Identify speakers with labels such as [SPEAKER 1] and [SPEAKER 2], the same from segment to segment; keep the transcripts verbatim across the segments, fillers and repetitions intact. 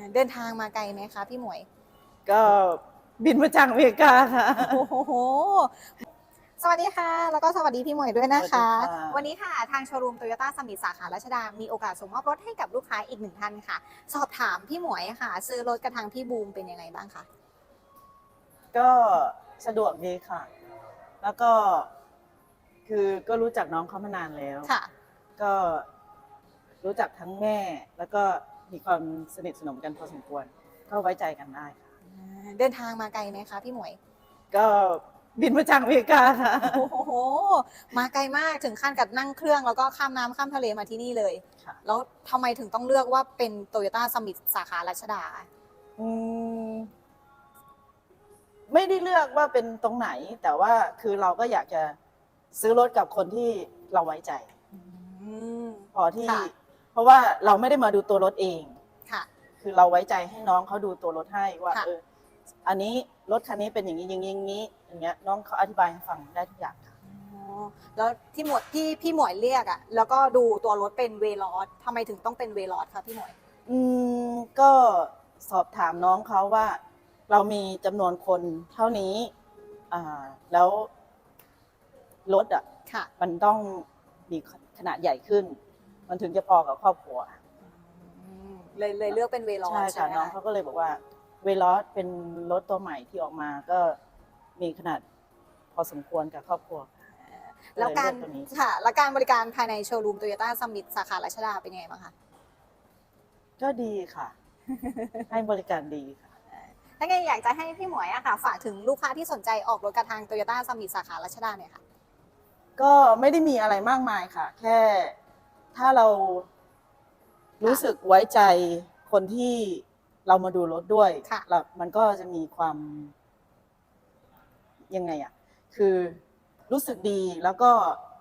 [SPEAKER 1] เดินทางมาไกลไหมคะพี่หมวย
[SPEAKER 2] ก็บินมาจากอเมริกาค่ะ
[SPEAKER 1] โอ้โหสวัสดีค่ะแล้วก็สวัสดีพี่หมวยด้วยนะคะ วันนี้ค่ะทางโชว์รูมโตโยต้าสมิธสาขารัชดามีโอกาสส่งมอบรถให้กับลูกค้าอีกหนึ่งท่านค่ะ สอบถามพี่หมวยค่ะ ซื้อรถกระทางพี่บูมเป็นยังไงบ้างคะ
[SPEAKER 2] ก็สะดวกดีค่ะ แล้วก็คือก็รู้จักน้องเขามานานแล้ว
[SPEAKER 1] ค่ะ
[SPEAKER 2] ก็รู้จักทั้งแม่แล้วก็มีความสนิทสนมกันพอสมควรก็ไว้ใจกันได้ค่ะ
[SPEAKER 1] เดินทางมาไกลไหมคะพี่หมวย
[SPEAKER 2] ก็บินมาจากอเมริกาค่ะ
[SPEAKER 1] โอ้โหมาไกลมากถึงขั้นกับนั่งเครื่องแล้วก็ข้ามน้ำข้ามทะเลมาที่นี่เลยแล้วทำไมถึงต้องเลือกว่าเป็นโตโยต้าสมิธสาขารัชดา
[SPEAKER 2] อืมไม่ได้เลือกว่าเป็นตรงไหน แต่ว่าคือเราก็อยากจะซื้อรถกับคนที่เราไว้ใจพอที่เพราะว่าเราไม่ได้มาดูตัวรถเอง
[SPEAKER 1] ค่ะ
[SPEAKER 2] คือเราไว้ใจให้น้องเขาดูตัวรถให้ว่าเอออันนี้รถคันนี้เป็นอย่างนี้อย่างนี้อย่างนี้อย่างเงี้ยน้องเขาอธิบายให้ฟังได้ทุกอย่างค่ะ
[SPEAKER 1] แล้วที่หมวดที่พี่หมวยเรียกอ่ะแล้วก็ดูตัวรถเป็นเวลอสทำไมถึงต้องเป็นเวลอสคะพี่หมวย
[SPEAKER 2] อืมก็สอบถามน้องเขาว่าเรามีจำนวนคนเท่านี้อ่าแล้วรถอ่ะมันต้องมีขนาดใหญ่ขึ้นมันถึงจะพอกับครอบครัว
[SPEAKER 1] เลยเลยเลือกเป็นเวลอส
[SPEAKER 2] ใช่ค่ะน้องเขาก็เลยบอกว่าเวลอสเป็นรถตัวใหม่ที่ออกมาก็มีขนาดพอสมควรกับครอบครัว
[SPEAKER 1] แล้วการค่ะแล้วการบริการภายในโชว์รูมโตโยต้าสมิธสาขารัชดาเป็นยังไงบ้างคะ
[SPEAKER 2] ก็ดีค่ะ ให้บริการดีค่ะ
[SPEAKER 1] ถ้าไงอยากจะให้พี่หมวยอะค่ะฝากถึงลูกค้าที่สนใจออกรถกระทางโตโยต้าสมิธสาขารัชดาเนี่ยค่ะ
[SPEAKER 2] ก็ไม่ได้มีอะไรมากมายค่ะแค่ถ้าเรารู้สึกไว้ใจคนที่เรามาดูรถด้วยแล้วมันก็จะมีความยังไงอ่ะคือรู้สึกดีแล้วก็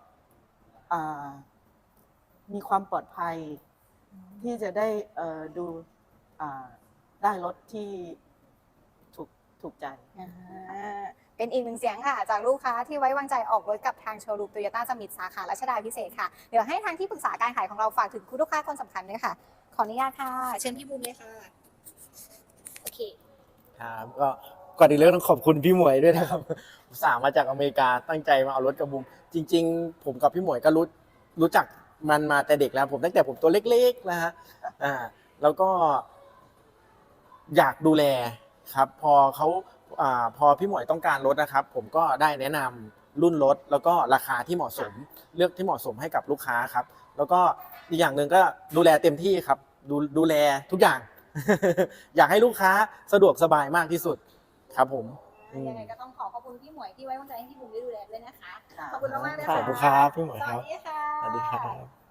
[SPEAKER 2] มีความปลอดภัยที่จะได้ดูได้รถที่ถูกถูกใจ
[SPEAKER 1] เป็นอีกหนึ่งเสียงค่ะจากลูกค้าที่ไว้วางใจออกรถกับทางโชว์รูมโตโยต้าสมิธสาขารัชดาพิเศษค่ะเดี๋ยวให้ทางที่ปรึกษาการขายของเราฝากถึงคุณลูกค้าคนสำคัญด้วยค่ะขออนุญาตค่ะเชิญพี่บูมเลยค่ะโอเค
[SPEAKER 3] ครับก็ก่อนอื่นเลยต้องขอบคุณพี่หมวยด้วยนะครับอุตส่าห์มาจากอเมริกาตั้งใจมาเอารถกับบูมจริงๆผมกับพี่หมวยก็รู้รู้จักมันมาแต่เด็กแล้วผมตั้งแต่ผมตัวเล็กๆนะฮะอ่าแล้วก็อยากดูแลครับพอเขาอ่าพอพี่หมวยต้องการรถนะครับผมก็ได้แนะนำรุ่นรถแล้วก็ราคาที่เหมาะสมเลือกที่เหมาะสมให้กับลูกค้าครับแล้วก็อีกอย่างหนึ่งก็ดูแลเต็มที่ครับดูดูแลทุกอย่างอยากให้ลูกค้าสะดวกสบายมากที่สุดครับผม
[SPEAKER 1] ยังไงก็ต้องขอขอบคุณพี่หมวยที่ไว้วางใจให้พี่บูมได้ดูแลด้วยนะคะขอบคุณมากๆเลยค่ะ
[SPEAKER 3] ขอบคุณครับพี่หมวยครับ
[SPEAKER 1] สวัสดีค่ะ
[SPEAKER 3] สวัสดีครับ